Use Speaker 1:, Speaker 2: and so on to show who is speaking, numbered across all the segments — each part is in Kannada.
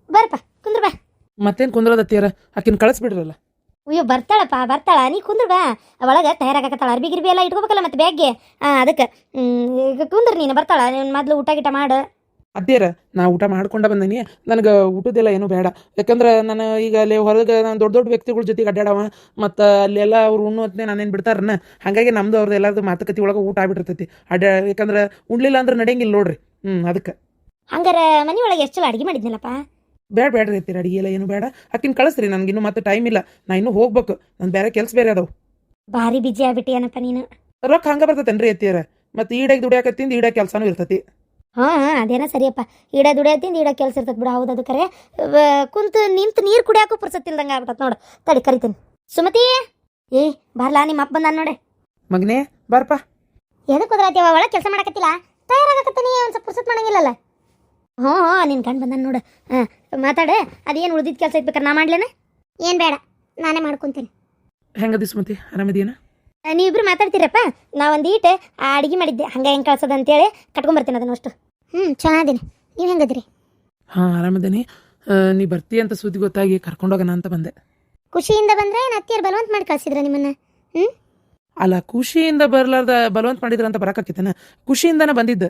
Speaker 1: ಬರ್ಪ ಕುಂದ್ರ ಬಾ.
Speaker 2: ಮತ್ತೇನು ಕುಂದ್ರದತ್ತಿಯಾರ ಆಕಿನ ಕಳಿಸ್ಬಿಡ್ರಲ್ಲ.
Speaker 1: ಅಯ್ಯೋ ಬರ್ತಾಳಪ್ಪ ಬರ್ತಾಳ, ನೀ ಕುಂದ್ರ ಬಾ. ಒಳಗೆ ತಯಾರಾಗಕತ್ತಾಳ, ಅರ್ಬಿ ಗಿರ್ಬಿ ಎಲ್ಲ ಇಟ್ಕೋಬೇಕಲ್ಲ ಮತ್ತೆ ಬ್ಯಾಗ್ಗೆ. ಅದಕ್ಕೆ ಈಗ ಕುಂದ್ರ ನೀನು ಬರ್ತಾಳ. ನೀನು ಮೊದಲು ಊಟ ಗಿಟ ಮಾಡು.
Speaker 2: ಅತ್ತಿಯಾರ ನಾ ಊಟ ಮಾಡ್ಕೊಂಡ ಬಂದನಿ, ನನಗೆ ಊಟದೆಲ್ಲ ಏನೂ ಬೇಡ. ಯಾಕಂದ್ರೆ ನಾನು ಈಗ ಅಲ್ಲಿ ಹೊರಗೆ ನಾನು ದೊಡ್ಡ ದೊಡ್ಡ ವ್ಯಕ್ತಿಗಳ ಜೊತೆಗೆ ಅಡ್ಡಾಡವ, ಮತ್ತು ಅಲ್ಲೆಲ್ಲ ಅವ್ರು ಉಣ್ಣು ಹೊತ್ತನೆ ನಾನೇನು ಬಿಡ್ತಾರನ್ನ. ಹಾಗಾಗಿ ನಮ್ದು ಅವ್ರದ್ದು ಎಲ್ಲರದು ಮಾತುಕತೆ ಒಳಗೆ ಊಟ ಆಗ್ಬಿಟ್ಟಿರ್ತೈತಿ. ಯಾಕಂದ್ರೆ ಉಣ್ಲಿಲ್ಲ ಅಂದ್ರೆ ನಡೆಯಂಗಿಲ್ಲ ನೋಡ್ರಿ. ಅದಕ್ಕೆ
Speaker 1: ಹಂಗಾರೆ ಮನೆ ಒಳಗೆ ಎಷ್ಟು ಚಲೋ ಅಡುಗೆ ಮಾಡಿದ್ನಲ್ಲಪ್ಪ.
Speaker 2: ಬೇಡ್ರಿ ಅತ್ತೀರ, ಅಡಿಗೆ ಎಲ್ಲ ಏನು ಬೇಡ. ಆಕಿನ ಕಳಿಸ್ರಿ, ನನಗೆ ಇನ್ನೂ ಮತ್ತೆ ಟೈಮ್ ಇಲ್ಲ. ನಾ ಇನ್ನೂ ಹೋಗ್ಬೇಕು, ನಾನು ಬೇರೆ ಕೆಲಸ ಬೇರೆ ಅದಾವು.
Speaker 1: ಭಾರಿ ಬಿಜಿ ಆಗ್ಬಿಟ್ಟಿಯನಪ್ಪ ನೀನು.
Speaker 2: ರೊಕ್ಕ ಹಂಗೆ ಬರ್ತೈತೇನ್ರಿ ಅತ್ತಿಯಾರ? ಮತ್ತು ಈಡಾಗಿ ದುಡಿಯಾಕತ್ತಿಂದ ಈಡಾಗ ಕೆಲಸನೂ ಇರ್ತೈತಿ.
Speaker 1: ಹಾಂ ಅದೇನ ಸರಿಯಪ್ಪ. ಈಡ ದುಡಿಯತ್ತಿಂದ ಈಡ ಕೆಲಸ ಇರ್ತದೆ ಬಿಡು. ಹೌದು ಅದು ಕರೆ. ಕುಂತು ನಿಂತು ನೀರು ಕುಡಿಯಾಕೂ ಪುರ್ಸತ್ತಿಲ್ದಂಗೆ ಆಗ್ಬಿಟ್ಟತ್ ನೋಡು. ತಡಿ ಕರಿತೀನಿ. ಸುಮತಿ ಏ ಬರ್ಲಾ, ನಿಮ್ಮ ಅಪ್ಪ ಬಂದಾನ ನೋಡೆ.
Speaker 2: ಮಗನೇ ಬಾರಪ್ಪ.
Speaker 1: ಎದಕ್ಕೆ ಹೋದ್ರಾತೀವ? ಒಳಗೆ ಕೆಲಸ ಮಾಡಕತ್ತಿಲ್ಲ, ತಯಾರಾಗಕತ್ತೀನಿ. ಒಂದು ಸ್ವಲ್ಪ ಪುರ್ಸತ್ ಮಾಡಂಗಿಲ್ಲಲ್ಲ. ಹ್ಞೂ ನಿನ್ನ ಗಂಡು ಬಂದಾನ ನೋಡು. ಹಾಂ ಮಾತಾಡೆ. ಅದೇನು ಉಳಿದಿದ್ದು ಕೆಲಸ ಇರ್ಬೇಕಾರೆ ನಾ ಮಾಡ್ಲೇನ? ಏನು ಬೇಡ, ನಾನೇ ಮಾಡ್ಕೊತೀನಿ.
Speaker 2: ಹೆಂಗದಿ ಸುಮತಿ, ಆರಾಮದಿಯೇನ?
Speaker 1: ನೀವಿಬ್ರು ಮಾತಾಡ್ತೀರಪ್ಪ. ನಾ ಒಂದು ಈಟೆ ಅಡುಗೆ ಮಾಡಿದ್ದೆ, ಹಂಗೆ ಹೆಂಗೆ ಕಳ್ಸೋದು ಅಂತೇಳಿ ಕಟ್ಕೊಂಬರ್ತೀನಿ ಅದನ್ನು ಅಷ್ಟು. ಚೆನ್ನಾಗಿದ್ದೀನಿ. ನೀವು ಹೆಂಗದಿರಿ?
Speaker 2: ಹಾಂ ಆರಾಮದೇನಿ. ನೀ ಬರ್ತೀಯ ಅಂತ ಸುದ್ದಿ ಗೊತ್ತಾಗಿ ಕರ್ಕೊಂಡೋಗೋಣ ಅಂತ ಬಂದೆ.
Speaker 1: ಖುಷಿಯಿಂದ ಬಂದರೆ ಅತ್ತಿಯರು ಬಲವಂತ ಮಾಡಿ ಕಳ್ಸಿದ್ರ ನಿಮ್ಮನ್ನ?
Speaker 2: ಅಲ್ಲ, ಖುಷಿಯಿಂದ ಬರಲಾರ್ದ ಬಲವಂತ ಮಾಡಿದ್ರ ಅಂತ ಬರೋಕ್ಕಾಕಿತ್ತೇನ? ಖುಷಿಯಿಂದನೇ ಬಂದಿದ್ದೆ.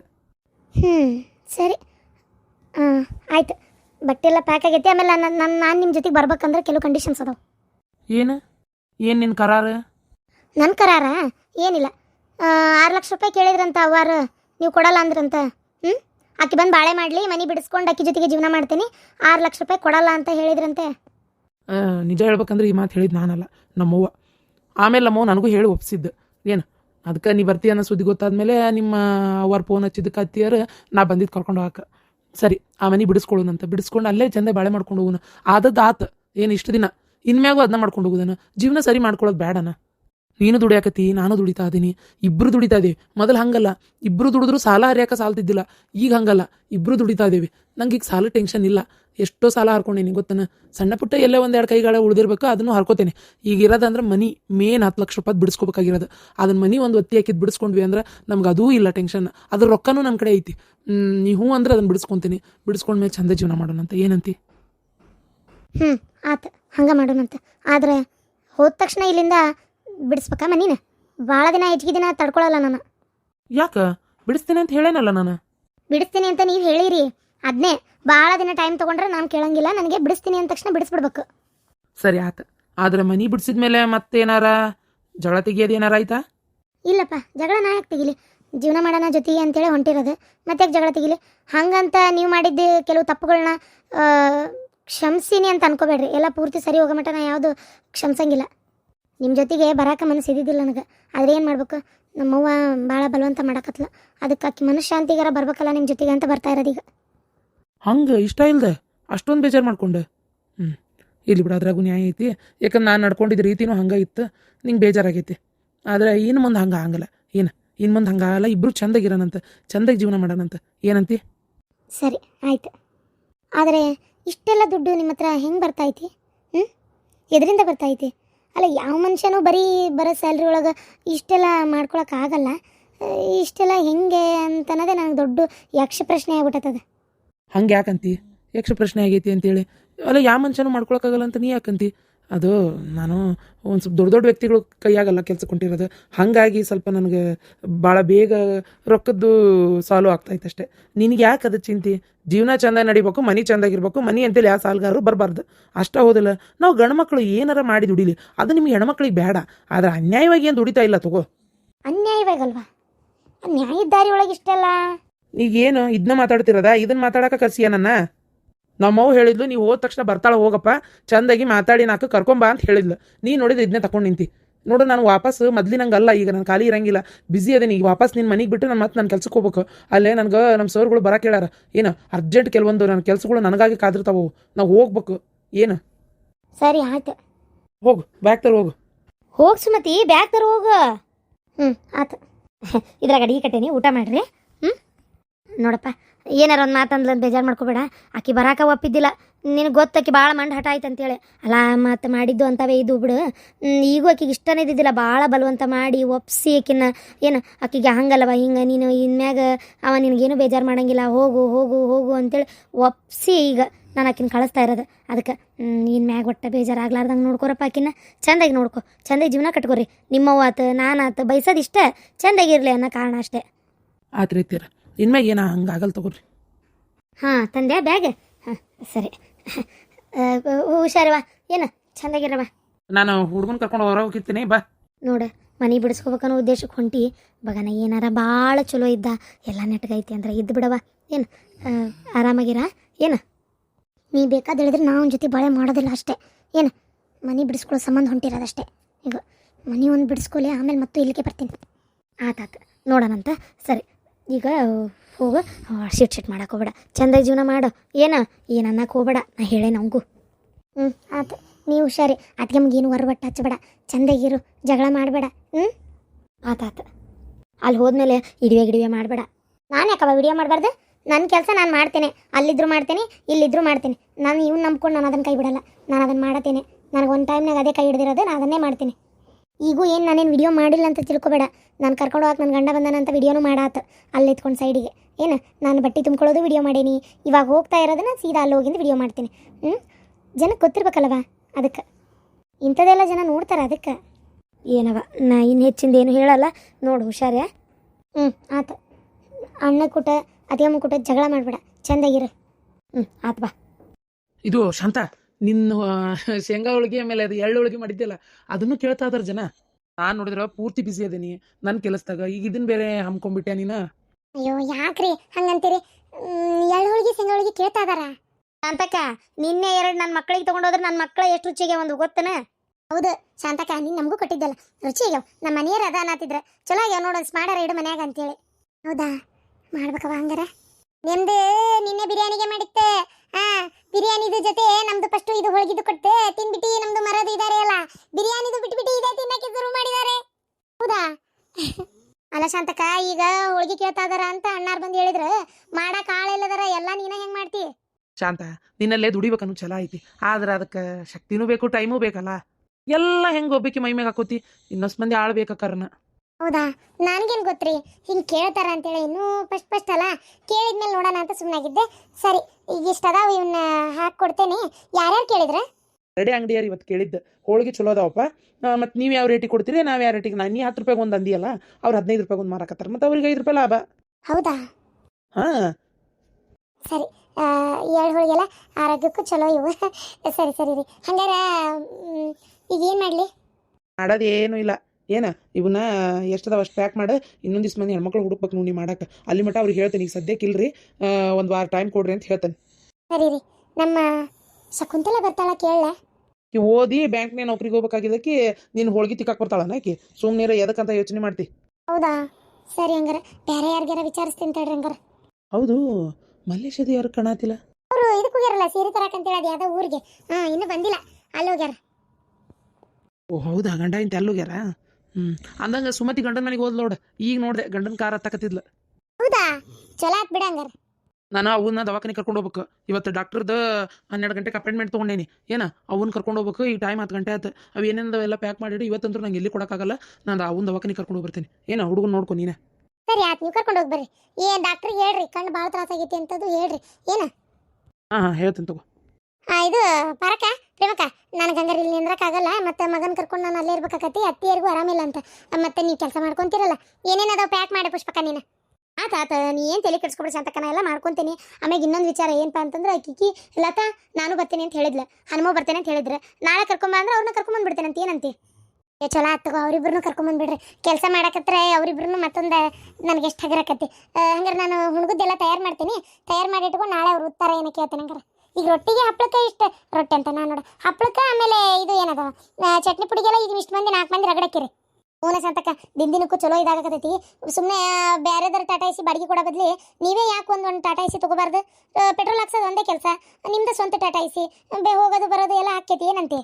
Speaker 1: ಸರಿ ಆಯ್ತು. ಬಟ್ಟೆ ಎಲ್ಲ ಪ್ಯಾಕ್ ಆಗೈತಿ. ಆಮೇಲೆ ನಾನು ನಿಮ್ಮ ಜೊತೆಗೆ ಬರ್ಬೇಕಂದ್ರೆ ಕೆಲವು ಕಂಡೀಷನ್ಸ್ ಅದಾವೆ.
Speaker 2: ಏನು ನಿನ್ನ ಕರಾರ?
Speaker 1: ನನ್ನ ಕರಾರ ಏನಿಲ್ಲ. 6 ಲಕ್ಷ ರೂಪಾಯಿ ಕೇಳಿದ್ರಂತ ಅವ್ವಾರು, ನೀವು ಕೊಡಲ್ಲ ಅಂದ್ರಂತ. ಆಕೆ ಬಂದು ಬಾಳೆ ಮಾಡಲಿ, ಮನೆ ಬಿಡಿಸ್ಕೊಂಡು ಆಕೆ ಜೊತೆಗೆ ಜೀವನ ಮಾಡ್ತೀನಿ, 6 ಲಕ್ಷ ರೂಪಾಯಿ ಕೊಡಲ್ಲ ಅಂತ ಹೇಳಿದ್ರಂತೆ.
Speaker 2: ನಿಜ ಹೇಳ್ಬೇಕಂದ್ರೆ ಈ ಮಾತು ಹೇಳಿದ್ದು ನಾನಲ್ಲ, ನಮ್ಮವ್ವ. ಆಮೇಲೆ ನಮ್ಮವ್ವ ನನಗೂ ಹೇಳಿ ಒಪ್ಸಿದ್ದು. ಏನು ಅದಕ್ಕೆ ನೀ ಬರ್ತೀಯ ಅನ್ನೋ ಸುದ್ದಿ ಗೊತ್ತಾದ್ಮೇಲೆ ನಿಮ್ಮ ಅವ್ರ ಫೋನ್ ಹಚ್ಚಿದ್ದಕ್ಕೆ ಅತ್ತಿಯರು ನಾ ಬಂದಿದ್ದು ಕರ್ಕೊಂಡು ಹೋಗಕ್ಕೆ. ಸರಿ ಆ ಮನೆ ಬಿಡಿಸ್ಕೊಳ್ಳೋಣಂತ. ಬಿಡಿಸ್ಕೊಂಡು ಅಲ್ಲೇ ಚಂದ ಬಾಳೆ ಮಾಡ್ಕೊಂಡು ಹೋಗೋಣ. ಆದದ್ದು ಆತು. ಏನು ಇಷ್ಟು ದಿನ ಇನ್ಮ್ಯಾಗೂ ಅದನ್ನ ಮಾಡ್ಕೊಂಡು ಹೋಗೋದನ. ಜೀವನ ಸರಿ ಮಾಡ್ಕೊಳ್ಳೋದು ಬೇಡನ. ನೀನು ದುಡಿಯಾಕತ್ತಿ, ನಾನು ದುಡಿತಾ ಇದೀನಿ, ಇಬ್ಬರು ದುಡಿತಾ ಇದ್ದೀವಿ. ಮೊದಲು ಹಂಗಲ್ಲ, ಇಬ್ಬರು ದುಡಿದ್ರು ಸಾಲ ಹರಿಯಾಕ ಸಾಲ್ತಿದ್ದಿಲ್ಲ. ಈಗ ಹಂಗಲ್ಲ, ಇಬ್ಬರು ದುಡಿತಾ ಇದ್ದೀವಿ. ನಂಗೆ ಈಗ ಸಾಲ ಟೆನ್ಷನ್ ಇಲ್ಲ. ಎಷ್ಟೋ ಸಾಲ ಹರ್ಕೊಂಡೇನಿ ಗೊತ್ತನ. ಸಣ್ಣ ಪುಟ್ಟ ಎಲ್ಲೇ 1-2 ಕೈಗಾಳ ಉಳಿದಿರ್ಬೇಕು, ಅದನ್ನು ಹರ್ಕೋತೇನೆ. ಈಗ ಇರೋದಂದ್ರೆ ಮನಿ ಮೇನ್ 10 ಲಕ್ಷ ರೂಪಾಯಿ ಬಿಡಿಸ್ಕೋಬೇಕಾಗಿರೋದು. ಅದನ್ನ ಮನಿ ಒಂದು ಒತ್ತಿ ಹಾಕಿದ್ದು ಬಿಡಿಸ್ಕೊಂಡ್ವಿ ಅಂದ್ರೆ ನಮ್ಗೆ ಅದೂ ಇಲ್ಲ ಟೆನ್ಷನ್. ಅದ್ರ ರೊಕ್ಕನೂ ನನ್ನ ಕಡೆ ಐತಿ. ನೀ ಹ್ಞೂ ಅಂದ್ರೆ ಅದನ್ನು ಬಿಡಿಸ್ಕೊತೀನಿ. ಬಿಡಿಸ್ಕೊಂಡ್ಮೇಲೆ ಚಂದ ಜೀವನ ಮಾಡೋಣಂತ. ಏನಂತಿ?
Speaker 1: ಆತು, ಹಂಗೆ ಮಾಡೋಣಂತ. ಆದರೆ ಹೋದ ತಕ್ಷಣ ಇಲ್ಲಿಂದ ಬಿಡಿಸ್ಬೇಕಾ ಮನೀನ? ಭಾಳ ದಿನ ಹೆಚ್ಚಿಗೆ ದಿನ ತಡ್ಕೊಳಲ್ಲ ನಾನು.
Speaker 2: ಯಾಕೆ ಬಿಡಿಸ್ತೀನಿ ಅಂತ ಹೇಳೇನಲ್ಲ ನಾನು?
Speaker 1: ಬಿಡಿಸ್ತೀನಿ ಅಂತ ನೀವು ಹೇಳಿರಿ, ಅದನ್ನೇ. ಭಾಳ ದಿನ ಟೈಮ್ ತೊಗೊಂಡ್ರೆ ನಾನು ಕೇಳಂಗಿಲ್ಲ. ನನಗೆ ಬಿಡಿಸ್ತೀನಿ ಅಂದ ತಕ್ಷಣ ಬಿಡಿಸ್ಬಿಡ್ಬೇಕು.
Speaker 2: ಸರಿ ಆತು. ಆದರೆ ಮನಿ ಬಿಡಿಸಿದ್ಮೇಲೆ ಮತ್ತೇನಾರ ಜಗಳ ತೆಗಿಯೋದು ಏನಾರ ಆಯ್ತಾ?
Speaker 1: ಇಲ್ಲಪ್ಪ, ಜಗಳ ನಾ ಯಾಕೆ ತೆಗಿಲಿ? ಜೀವನ ಮಾಡೋಣ ಜೊತೆಗೆ ಅಂತೇಳಿ ಹೊಂಟಿರೋದು. ಮತ್ತೆ ಯಾಕೆ ಜಗಳ ತೆಗಿಲಿ? ಹಂಗಂತ ನೀವು ಮಾಡಿದ್ದೆ ಕೆಲವು ತಪ್ಪುಗಳನ್ನ ಕ್ಷಮಿಸೀನಿ ಅಂತ ಅನ್ಕೋಬೇಡ್ರಿ. ಎಲ್ಲ ಪೂರ್ತಿ ಸರಿ ಹೋಗೋ ಮಟ್ಟ ನಾ ಯಾವುದು ಕ್ಷಮಿಸಂಗಿಲ್ಲ. ನಿಮ್ಮ ಜೊತೆಗೆ ಬರಾಕ ಮನಸ್ಸು ಇದ್ದಿದ್ದಿಲ್ಲ ನನಗೆ. ಆದರೆ ಏನು ಮಾಡ್ಬೇಕು, ನಮ್ಮವ್ವ ಭಾಳ ಬಲವಂತ ಮಾಡಕತ್ಲ. ಅದಕ್ಕೆ ಆಕಿ ಮನಃಶಾಂತಿಗಾರ ಬರ್ಬೇಕಲ್ಲ ನಿಮ್ಮ ಜೊತೆಗೆ ಅಂತ ಬರ್ತಾ ಇರೋದೀಗ.
Speaker 2: ಹಂಗೆ ಇಷ್ಟ ಇಲ್ಲದೆ ಅಷ್ಟೊಂದು ಬೇಜಾರು ಮಾಡ್ಕೊಂಡೆ. ಇಲ್ಲಿ ಬಿಡು, ಅದ್ರಾಗೂ ನ್ಯಾಯ ಐತಿ. ಯಾಕಂದ್ರೆ ನಾನು ನಡ್ಕೊಂಡಿದ್ದ ರೀತಿನೂ ಹಂಗೆ ಇತ್ತು. ನಿಂಗೆ ಬೇಜಾರಾಗೈತಿ. ಆದರೆ ಇನ್ನು ಮುಂದೆ ಹಂಗೆ ಆಗಲ್ಲ. ಇನ್ನು ಮುಂದೆ ಹಂಗೆ ಆಗಲ್ಲ. ಇಬ್ಬರು ಚಂದಾಗಿರೋಣಂತ, ಚಂದಾಗಿ ಜೀವನ ಮಾಡೋಣಂತ. ಏನಂತಿ?
Speaker 1: ಸರಿ ಆಯ್ತು. ಆದರೆ ಇಷ್ಟೆಲ್ಲ ದುಡ್ಡು ನಿಮ್ಮ ಹತ್ರ ಹೆಂಗೆ ಬರ್ತೈತಿ? ಎದರಿಂದ ಬರ್ತೈತಿ? ಅಲ್ಲ, ಯಾವ ಮನುಷ್ಯನೂ ಬರೋ ಸ್ಯಾಲ್ರಿ ಒಳಗೆ ಇಷ್ಟೆಲ್ಲ ಮಾಡ್ಕೊಳಕ್ಕಾಗಲ್ಲ. ಇಷ್ಟೆಲ್ಲ ಹೆಂಗೆ ಅಂತನ್ನೋದೇ ನನಗೆ ದೊಡ್ಡ ಯಕ್ಷ ಪ್ರಶ್ನೆ ಆಗ್ಬಿಟ್ಟದ.
Speaker 2: ಹಂಗೆ ಯಾಕಂತಿ? ಯಕ್ಷ ಪ್ರಶ್ನೆ ಆಗೈತಿ ಅಂತೇಳಿ? ಅಲ್ಲ, ಯಾವ ಮನುಷ್ಯನೂ ಮಾಡ್ಕೊಳಕ್ಕಾಗಲ್ಲ ಅಂತ ನೀ ಯಾಕಂತಿ? ಅದು ನಾನು ಒಂದು ಸ್ವಲ್ಪ ದೊಡ್ಡ ದೊಡ್ಡ ವ್ಯಕ್ತಿಗಳು ಕೈಯಾಗಲ್ಲ ಕೆಲಸ ಕೊಂಡಿರೋದು. ಹಾಗಾಗಿ ಸ್ವಲ್ಪ ನನಗೆ ಭಾಳ ಬೇಗ ರೊಕ್ಕದ್ದು ಸಾಲ್ವ್ ಆಗ್ತಾಯಿತ್ತು ಅಷ್ಟೇ. ನಿನಗೆ ಯಾಕೆ ಅದು ಚಿಂತೆ? ಜೀವನ ಚೆಂದ ನಡಿಬೇಕು, ಮನೆ ಚೆಂದಾಗಿರ್ಬೇಕು. ಮನೆ ಅಂತೇಳಿ ಯಾವ ಸಾಲ್ಗಾರರು ಬರಬಾರ್ದು. ಅಷ್ಟ ಹೋದಿಲ್ಲ. ನಾವು ಗಂಡು ಮಕ್ಕಳು ಏನಾರ ಮಾಡಿ ದುಡಿಲಿ, ಅದು ನಿಮ್ಗೆ ಹೆಣ್ಮಕ್ಳಿಗೆ ಬೇಡ. ಆದರೆ ಅನ್ಯಾಯವಾಗಿ ಏನು ದುಡಿತಾ ಇಲ್ಲ ತಗೋ.
Speaker 1: ಅನ್ಯಾಯವಾಗಲ್ವಾ? ನ್ಯಾಯದ ದಾರಿ ಒಳಗೆ ಇಷ್ಟೆಲ್ಲ
Speaker 2: ಈಗೇನು ಇದನ್ನ ಮಾತಾಡ್ತಿರೋದ? ಇದನ್ನ ಮಾತಾಡಕ್ಕೆ ಕರ್ಸಿಯ ನನ್ನ? ನಮ್ಮವ್ವ ಹೇಳಿದ್ಲು, ನೀವು ಹೋದ ತಕ್ಷಣ ಬರ್ತಾಳೆ, ಹೋಗಪ್ಪ ಚಂದಾಗಿ ಮಾತಾಡಿ ನಾಲ್ಕು ಕರ್ಕೊಂಬಾ ಅಂತ ಹೇಳಿದ್ಲು. ನೀ ನೋಡಿದ್ರೆ ಇದನ್ನೇ ತಗೊಂಡು ನಿಂತಿ ನೋಡು. ನಾನು ವಾಪಸ್ ಮೊದ್ಲಿನಂಗಲ್ಲ, ಈಗ ನಾನು ಖಾಲಿ ಇರಂಗಿಲ್ಲ, ಬಿಸಿ ಅದೇನಿ. ಈಗ ವಾಪಸ್ ನಿನ್ನ ಮನೆಗೆ ಬಿಟ್ಟು ನಾನು ಮತ್ತೆ ನನ್ನ ಕೆಲ್ಸಕ್ಕೆ ಹೋಗ್ಬೇಕು. ಅಲ್ಲೇ ನನಗೆ ನಮ್ಮ ಸರ್ಗಳು ಬರಕ್ಕೆ ಹೇಳಾರ. ಏನು ಅರ್ಜೆಂಟ್ ಕೆಲವೊಂದು ನನ್ನ ಕೆಲಸಗಳು ನನಗಾಗಿ ಕಾದಿರ್ತಾವು. ನಾವು ಹೋಗ್ಬೇಕು. ಏನು?
Speaker 1: ಸರಿ ಆಯ್ತು,
Speaker 2: ಹೋಗು, ಬ್ಯಾಗ್ ತರ ಹೋಗು.
Speaker 1: ಹೋಗಿ ಸುಮತಿ, ಬ್ಯಾಗ್ ತರ ಹೋಗು. ಆಯ್ತು. ಇದ್ರಾಗ ಅಡಿಗೆ ಕಟ್ಟೇನಿ, ಊಟ ಮಾಡ್ರಿ. ನೋಡಪ್ಪ, ಏನಾರ ಒಂದು ಮಾತಂದ್ಲಂತ ಬೇಜಾರು ಮಾಡ್ಕೋಬೇಡ. ಆಕಿ ಬರಾಕ ಒಪ್ಪಿದ್ದಿಲ್ಲ. ನಿನಗೆ ಗೊತ್ತಾಕಿ ಭಾಳ ಮಂಡ್ ಹಠ ಆಯ್ತು ಅಂತೇಳಿ. ಅಲ್ಲ, ಮತ್ತು ಮಾಡಿದ್ದು ಅಂತವೇ ಇದು ಬಿಡು. ಈಗೂ ಆಕಿಗೆ ಇಷ್ಟನೇ ಇದ್ದಿದ್ದಿಲ್ಲ. ಭಾಳ ಬಲವಂತ ಮಾಡಿ ಒಪ್ಸಿ ಆಕಿನ ಏನು ಆಕಿಗೆ ಹಂಗಲ್ಲವ ಹಿಂಗೆ ನೀನು ಇನ್ಮ್ಯಾಗ ಅವ ನಿನಗೇನು ಬೇಜಾರು ಮಾಡಂಗಿಲ್ಲ, ಹೋಗು ಹೋಗು ಹೋಗು ಅಂತೇಳಿ ಒಪ್ಸಿ ಈಗ ನಾನು ಆಕಿನ ಕಳಿಸ್ತಾ ಇರೋದು. ಅದಕ್ಕೆ ನೀನು ಮ್ಯಾಗ ಒಟ್ಟು ಬೇಜಾರಾಗ್ಲಾರ್ದಂಗೆ ನೋಡ್ಕೊರಪ್ಪ ಆಕಿನ. ಚೆಂದಾಗಿ ನೋಡ್ಕೊ, ಚೆಂದಾಗಿ ಜೀವನ ಕಟ್ಕೊರಿ. ನಿಮ್ಮವ್ವ ಆತು ನಾನಾತು ಬಯಸೋದು ಇಷ್ಟೇ, ಚೆಂದಾಗಿರಲಿ ಅನ್ನೋ ಕಾರಣ ಅಷ್ಟೇ.
Speaker 2: ಆತ್ ರೀತಿಯರ ಇನ್ಮ್ಯಾಗ ಏನ ಹಂಗಾಗಲ್ಲ ತಗೋರಿ.
Speaker 1: ಹಾಂ ತಂದೆ ಬ್ಯಾಗ್. ಹಾಂ ಸರಿ, ಹುಷಾರವ, ಏನು ಚೆಂದಾಗಿರವ.
Speaker 2: ನಾನು ಹುಡುಗನ ಕರ್ಕೊಂಡು ಹೊರ ಹೋಗಿರ್ತೀನಿ ಬಾ.
Speaker 1: ನೋಡು ಮನೆ ಬಿಡಿಸ್ಕೋಬೇಕನ್ನೋ ಉದ್ದೇಶಕ್ಕೆ ಹೊಂಟಿ ಬಗನ ಏನಾರ ಭಾಳ ಚಲೋ ಇದ್ದ ಎಲ್ಲ ನೆಟ್ಗೈತಿ ಅಂದ್ರೆ ಇದ್ದು ಬಿಡವ. ಏನು ಆರಾಮಾಗಿರ ಏನು? ನೀ ಬೇಕಾದ ಹೇಳಿದ್ರೆ ನಾವು ಜೊತೆ ಬಾಳೆ ಮಾಡೋದಿಲ್ಲ ಅಷ್ಟೇ. ಏನು ಮನೆ ಬಿಡಿಸ್ಕೊಳ್ಳೋ ಸಂಬಂಧ ಹೊಂಟಿರೋದಷ್ಟೇ. ಈಗ ಮನೆ ಒಂದು ಬಿಡಿಸ್ಕೊಳ್ಳಿ, ಆಮೇಲೆ ಮತ್ತು ಇಲ್ಲಿಗೆ ಬರ್ತೀನಿ. ಆತಾತು ನೋಡೋಣಂತ. ಸರಿ ಈಗ ಹೋಗು, ಶಿಟ್ ಮಾಡೋಕೋಬೇಡ, ಚೆಂದಾಗಿ ಜೀವನ ಮಾಡು. ಏನು ಅನ್ನಕ್ಕೆ ಹೋಗ್ಬೇಡ, ನಾ ಹೇಳೇ ನಮಗೂ. ಆತು, ನೀವು ಹುಷಾರಿ. ಅದ್ಗೆಮ್ಗೇನು ಹೊರಬಟ್ಟು ಹಚ್ಚಬೇಡ, ಚೆಂದಾಗಿರು, ಜಗಳ ಮಾಡಬೇಡ. ಆತಾತು. ಅಲ್ಲಿ ಹೋದ್ಮೇಲೆ ಇಡಿವೆ ಮಾಡಬೇಡ. ನಾನು ಯಾಕವ ವಿಡಿಯೋ ಮಾಡಬಾರ್ದು? ನನ್ನ ಕೆಲಸ ನಾನು ಮಾಡ್ತೇನೆ, ಅಲ್ಲಿದ್ದರೂ ಮಾಡ್ತೇನೆ, ಇಲ್ಲಿದ್ದರೂ ಮಾಡ್ತೀನಿ. ನಾನು ಇವ್ನು ನಂಬ್ಕೊಂಡು ನಾನು ಅದನ್ನು ಕೈ ಬಿಡಲ್ಲ, ನಾನು ಅದನ್ನು ಮಾಡತ್ತೇನೆ. ನನಗೆ ಒಂದು ಟೈಮ್ನಾಗ ಅದೇ ಕೈ ಹಿಡ್ದಿರೋದು, ನಾನು ಅದನ್ನೇ ಮಾಡ್ತೀನಿ. ಈಗೂ ಏನು ನಾನೇನು ವಿಡಿಯೋ ಮಾಡಿಲ್ಲ ಅಂತ ತಿಳ್ಕೊಬೇಡ. ನಾನು ಕರ್ಕೊಂಡು ಹೋಗಕ್ಕೆ ನನ್ನ ಗಂಡ ಬಂದಾನಂತ ವಿಡಿಯೋನು ಮಾಡಾತು ಅಲ್ಲಿ ಎತ್ಕೊಂಡು ಸೈಡಿಗೆ. ಏನು ನಾನು ಬಟ್ಟೆ ತುಂಬ್ಕೊಳ್ಳೋದು ವಿಡಿಯೋ ಮಾಡೀನಿ, ಇವಾಗ ಹೋಗ್ತಾ ಇರೋದನ್ನ ಸೀದಾ ಅಲ್ಲಿ ಹೋಗಿಂದು ವಿಡಿಯೋ ಮಾಡ್ತೀನಿ. ಜನಕ್ಕೆ ಗೊತ್ತಿರ್ಬೇಕಲ್ಲವ, ಅದಕ್ಕೆ ಇಂಥದ್ದೆಲ್ಲ ಜನ ನೋಡ್ತಾರೆ. ಅದಕ್ಕೆ ಏನವ ನಾ ಇನ್ನು ಹೆಚ್ಚಿಂದ ಏನು ಹೇಳಲ್ಲ, ನೋಡು ಹುಷಾರೇ. ಆತು, ಅಣ್ಣ ಕೂಟ ಅದೇಮ್ಮ ಕೂಟ ಜಗಳ ಮಾಡಬೇಡ, ಚೆಂದಾಗಿರು. ಆತು ಬಾ.
Speaker 2: ಇದು ಶಾಂತ, ನಿನ್ನ ಶೇಂಗಾ ಹೋಳಿಗೆ ಆಮೇಲೆ ಅದು ಎಳ್ಳು ಹೋಳಿಗೆ ಮಾಡಿದ್ದಿಲ್ಲ, ಅದನ್ನು ಕೇಳ್ತಾ ಇದಾರೆ ಜನ. ನಾನು ನೋಡಿದ್ರೆ ಪೂರ್ತಿ ಬಿಸಿ ಅದೀನಿ ನನ್ನ ಕೆಲಸದಾಗ. ಈಗ ಇದನ್ನ ಬೇರೆ ಹಮ್ಕೊಂಡ್ಬಿಟ್ಟೆ ನೀನು.
Speaker 1: ಅಯ್ಯೋ ಯಾಕ್ರಿ ಹಂಗಂತೀರಿ? ಎಳ್ಳು ಹೋಳಿಗೆ ಶೇಂಗಾ ಹೋಳಿಗೆ ಕೇಳ್ತಾ ಇದಾರ ಶಾಂತಕ್ಕ. ನಿನ್ನೆ 2 ನನ್ನ ಮಕ್ಕಳಿಗೆ ತೊಗೊಂಡೋದ್ರೆ ನನ್ನ ಮಕ್ಕಳ ಎಷ್ಟು ರುಚಿಗೆ ಒಂದು ಗೊತ್ತನ? ಹೌದು ಶಾಂತಕ್ಕ, ನೀನು ನಮಗೂ ಕೊಟ್ಟಿದ್ದಲ್ಲ, ರುಚಿ ಆಗ್ಯಾವ. ನಮ್ಮ ಮನೆಯವ್ರು ಅದ ಅನ್ನತ್ತಿದ್ರೆ ಚಲೋ ಆಗ್ಯಾವ ನೋಡು, ಮಾಡ್ಯಾರ ಇಡು ಮನ್ಯಾಗ ಅಂತೇಳಿ. ಹೌದಾ, ಮಾಡ್ಬೇಕವ ಹಂಗಾರ. ನಿಮ್ದು ನಿನ್ನೆ ಬಿರಿಯಾನಿಗೆ ಮಾಡಿತ್ತೆ. ಬಿರಿಯಾನಿದು ಜೊತೆ ನಮ್ದು ಫಸ್ಟ್ ಇದು ಹೋಳಿಗೆದು ಕೊಟ್ಟೆ ತಿನ್ಬಿಟ್ಟು ನಮ್ದು ಮರದು ಇದಾರೆ ಅಲ್ಲ, ಬಿರಿಯಾನಿದು ಬಿಟ್ಬಿಟ್ಟು ಇದೇ ತಿನ್ನಕ್ಕೆ ಶುರು ಮಾಡಿದ್ದಾರೆ. ಹೌದಾ? ಅಲ್ಲ ಶಾಂತಕ್ಕ, ಈಗ ಹೋಳಿಗೆ ಕೇಳ್ತಾ ಇದಾರ ಅಂತ ಅಣ್ಣಾರ್ ಬಂದು ಹೇಳಿದ್ರು, ಮಾಡಕ್ ಆಳಿಲ್ಲದಾರ, ಎಲ್ಲ ನೀನ ಹೆಂಗ್ ಮಾಡ್ತಿ?
Speaker 2: ಶಾಂತ, ನಿನ್ನಲ್ಲೇ ದುಡಿಬೇಕನ್ನು ಛಲ ಐತಿ, ಆದ್ರೆ ಅದಕ್ಕೆ ಶಕ್ತಿನೂ ಬೇಕು, ಟೈಮೂ ಬೇಕಲ್ಲ. ಎಲ್ಲ ಹೆಂಗೆ ಒಬ್ಬಕ್ಕೆ ಮೈ ಮ್ಯಾಗ ಹಾಕೋತಿ, ಇನ್ನೊಂದು ಮಂದಿ ಆಳ್ಬೇಕನ್ನ.
Speaker 1: ಹೌದಾ, ನನ್ಗೇನು ಗೊತ್ತ್ರಿ ಹಿಂಗೆ ಕೇಳ್ತಾರ ಅಂತೇಳಿ. ಇನ್ನೂ ಫಸ್ಟ್ ಅಲ್ಲ, ಕೇಳಿದ್ಮೇಲೆ ನೋಡೋಣ ಅಂತ ಸುಮ್ಮನಾಗಿದ್ದೆ. ಸರಿ, ಈಗ ಇಷ್ಟ ಅದಾವ, ಇವನ್ನ ಹಾಕ್ಕೊಡ್ತೇನೆ. ಯಾರ್ಯಾರು ಕೇಳಿದ್ರೆ?
Speaker 2: ರೆಡಿ ಅಂಗಡಿಯಾರು ಇವತ್ತು ಕೇಳಿದ್ದು ಹೋಳಿಗೆ ಚಲೋ ಅದಾವಪ್ಪ. ಮತ್ತು ನೀವು ಯಾವ ರೇಟಿಗೆ ಕೊಡ್ತೀರಿ, ನಾವು ಯಾವ ರೇಟಿಗೆ. ನೀ 10 ರೂಪಾಯಿಗೆ ಒಂದು ಅಂದಿಯಲ್ಲ, ಅವ್ರು 15 ರೂಪಾಯಿಗೆ ಒಂದು ಮಾರಾಕತ್ತಾರೆ, ಮತ್ತು ಅವ್ರಿಗೆ 5 ರೂಪಾಯಿ ಲಾಭ.
Speaker 1: ಹೌದಾ?
Speaker 2: ಹಾಂ
Speaker 1: ಸರಿ, 2 ಹೋಳಿಗೆಲ್ಲ ಆರೋಗ್ಯಕ್ಕೂ ಚಲೋ ಇವು. ಸರಿ ರೀ, ಹಂಗಾರೆ ಈಗ ಏನು ಮಾಡಲಿ?
Speaker 2: ಮಾಡೋದೇನು ಇಲ್ಲ. ಏನ ಇವನ್ನ ಎಷ್ಟದಾವ ಅಷ್ಟು ಪ್ಯಾಕ್ ಮಾಡಿ, ಇನ್ನೊಂದು ದಿವ್ಸ ಮಂದಿ ಹೆಣ್ಮಕ್ಳು ಹುಡುಕ್ಬೇಕು ನೋಡಿ ಮಾಡಕ್ಕೆ. ಅಲ್ಲಿ ಮಟ್ಟ ಅವ್ರಿಗೆ ಹೇಳ್ತೇನೆ, ಈಗ ಸದ್ಯಕ್ಕೆ ಇಲ್ರಿ, ಒಂದು ವಾರ ಟೈಮ್ ಕೊಡ್ರಿ ಅಂತ ಹೇಳ್ತೇನೆ.
Speaker 1: ಸರಿ ರೀ, ನಮ್ಮ ಶಕುಂತಲ ಬರ್ತಾಳ ಕೇಳ.
Speaker 2: ಈ ಓದಿ ಬ್ಯಾಂಕ್ನೇ ನೌಕರಿಗೆ ಹೋಗ್ಬೇಕಾಗಿದ್ದಕ್ಕೆ ನೀನು ಹೋಳಿಗೆ ತಿಕ್ಕಾಕ್ ಬರ್ತಾಳನ ಆಕಿ? ಸುಮ್ಮನೆ ಎದಕ್ಕಂತ ಯೋಚನೆ ಮಾಡ್ತಿ?
Speaker 1: ಹೌದಾ? ಸರಿ, ಹಂಗಾರ ಬೇರೆ ಯಾರಿಗಾರ ವಿಚಾರಿಸ್ತೀನಿ ತಡ್ರಿ. ಹಂಗಾರ
Speaker 2: ಹೌದು, ಮಲ್ಲೇಶದ ಯಾರು ಕಾಣತಿಲ್ಲ.
Speaker 1: ಅವರು ಇದಕ್ಕೆ ಹೋಗ್ಯಾರಲ್ಲ, ಸೀರೆ ತರಕಂತೇಳಿ ಅದು ಯಾವ್ದೋ ಊರಿಗೆ. ಇನ್ನೂ ಬಂದಿಲ್ಲ, ಅಲ್ಲಿ ಹೋಗ್ಯಾರ.
Speaker 2: ಓ ಹೌದಾ, ಗಂಡ ಇಂತ ಹೋಗ್ಯಾರ. ಅಂದಂಗ ಸುಮತಿ ಗಂಡನ ಮನೆಗೆ ಹೋದ್ ನೋಡ. ಈಗ ನೋಡ್ದೆ ಗಂಡನ ಕಾರ್ ಹತ್ತಕತ್ತಿದ್ಲ.
Speaker 1: ಹೌದಾ? ಚಲೋ ಆತ್ ಬಿಡ ಹಂಗಾರ.
Speaker 2: ನಾನು ಅವನ್ನ ದವಾಖಾನೆ ಕರ್ಕೊಂಡು ಹೋಗ್ಬೇಕು. ಇವತ್ತು ಡಾಕ್ಟರ್ದು 12 ಗಂಟೆಗೆ ಅಪಾಯಿಂಟ್ಮೆಂಟ್ ತೊಗೊಂಡೇನಿ. ಅವನ್ನ ಕರ್ಕೊಂಡು ಹೋಗ್ಬೇಕು. ಈ ಟೈಮ್ 10 ಗಂಟೆ ಆಯ್ತು. ಅವು ಏನೇನದವೆಲ್ಲ ಪ್ಯಾಕ್ ಮಾಡಿಡಿ. ಇವತ್ತಂದ್ರೂ ನಂಗೆ ಎಲ್ಲಿ ಕೊಡೋಕ್ಕಾಗಲ್ಲ. ನಾನು ಅವನ ದವಾಖಾನೆ ಕರ್ಕೊಂಡು ಹೋಗ್ಬರ್ತೀನಿ. ಹುಡುಗನ ನೋಡ್ಕೊ ನೀನೆ.
Speaker 1: ಸರಿ ಆತ್, ನೀವು ಕರ್ಕೊಂಡು ಹೋಗ್ಬರ್ರಿ. ಡಾಕ್ಟ್ರಿಗೆ ಹೇಳ್ರಿ, ಕಣ್ಣು ಭಾಳ ತ್ರಾಸಾಗೈತಿ ಅಂತದ್ದು ಹೇಳ್ರಿ.
Speaker 2: ಹಾಂ ಹೇಳ್ತೀನಿ ತಗೋ.
Speaker 1: ಇದು ಪರಕ ಪ್ರೇಮಕ, ನನಗೆ ಹಂಗಾರೆ ಇಲ್ಲಿ ನಿಂದ್ರಕ್ಕಾಗಲ್ಲ. ಮತ್ತೆ ಮಗನ ಕರ್ಕೊಂಡು ನಾನು ಅಲ್ಲೇ ಇರ್ಬೇಕಾಕತಿ. ಅತ್ತಿಯರಿಗೂ ಆರಾಮಿಲ್ಲ ಅಂತ. ಮತ್ತೆ ನೀವು ಕೆಲಸ ಮಾಡ್ಕೊಂತೀರಲ್ಲ, ಏನೇನದಾವ ಪ್ಯಾಕ್ ಮಾಡಿ ಪುಷ್ಪಕ ನೀನು. ಆತ ನೀ ಏನು ತಲೆ ಕೆಡ್ಸ್ಕೊಬಿಡ ಶಾಂತಕ್ಕ, ನಾ ಎಲ್ಲ ಮಾಡ್ಕೊತೀನಿ. ಆಮೇಲೆ ಇನ್ನೊಂದು ವಿಚಾರ ಏನಪ್ಪ ಅಂತಂದ್ರೆ, ಕಿಕ್ಕಿ ಲತಾ ನಾನು ಬರ್ತೀನಿ ಅಂತ ಹೇಳಿದ್ಲು, ಹನುಮ ಬರ್ತೇನೆ ಅಂತ ಹೇಳಿದ್ರೆ, ನಾಳೆ ಕರ್ಕೊಂಬ ಅಂದ್ರೆ ಅವ್ರನ್ನ ಕರ್ಕೊಂಬಂದ್ಬಿಡ್ತೇನೆ ಅಂತ ಏನಂತಿ? ಚಲೋ ಆತಗೋ, ಅವರಿಬ್ರು ಕರ್ಕೊಂಬಂದ್ಬಿಡ್ರಿ. ಕೆಲಸ ಮಾಡಕತ್ರೆ ಅವರಿಬ್ರು ಮತ್ತೊಂದು ನನಗೆ ಎಷ್ಟು ಹಗರಕತ್ತಿ. ಹಂಗಾರೆ ನಾನು ಹುಡುಗದ್ದೆಲ್ಲ ತಯಾರು ಮಾಡ್ತೀನಿ. ತಯಾರು ಮಾಡಿ ಇಟ್ಕೊಂಡು ನಾಳೆ ಅವ್ರು ಉತ್ತರ ಏನಕ್ಕೆ ಕೇಳ್ತೇನೆ. ಹಂಗಾರೆ ಈಗ ರೊಟ್ಟಿಗೆ ಹಪ್ಳಕ್ಕೆ ಇಷ್ಟು ರೊಟ್ಟಿ ಅಂತ ನಾನು ನೋಡು, ಹಪ್ಳಕ್ಕೆ ಆಮೇಲೆ ಇದು ಏನದ ಚಟ್ನಿ ಪುಡಿಗೆಲ್ಲ ಈಗ ಇಷ್ಟು ಮಂದಿ 4 ಮಂದಿ ರಗಡಕ್ಕಿರಿ. ಓನ ಶಾಂತಕ್ಕ, ದಿನಕ್ಕೂ ಚಲೋ ಇದಾಗತೈತಿ. ಸುಮ್ಮನೆ ಬೇರೆದರ ಟಾಟಾ ಎಸಿ ಬಾಡಿಗೆ ಕೊಡೋ ಬದಲಿ ನೀವೇ ಯಾಕೆ ಒಂದು ಟಾಟಾ ಎಸಿ ತೊಗೋಬಾರ್ದು? ಪೆಟ್ರೋಲ್ ಹಾಕ್ಸೋದು ಒಂದೇ ಕೆಲಸ, ನಿಮ್ದು ಸ್ವಂತ ಟಾಟಾ ಎಸಿ ಹೋಗೋದು ಬರೋದು ಎಲ್ಲ ಹಾಕೈತಿ. ಏನಂತೆ?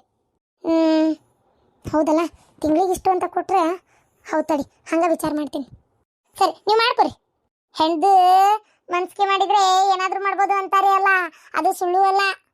Speaker 1: ಹೌದಲ್ಲ, ತಿಂಗಳಿಗೆ ಇಷ್ಟು ಅಂತ ಕೊಟ್ರೆ ಹೌದು ತಡಿ, ಹಂಗೆ ವಿಚಾರ ಮಾಡ್ತೀನಿ. ಸರಿ, ನೀವು ಮಾಡ್ಕೊರಿ. ಹೆಣ್ದು ಮನ್ಸಿಗೆ ಮಾಡಿದರೆ ಏನಾದರೂ ಮಾಡ್ಬೋದು ಅಂತಾರೆ ಅಲ್ಲ, ಅದು ಸುಳ್ಳು ಅಲ್ಲ.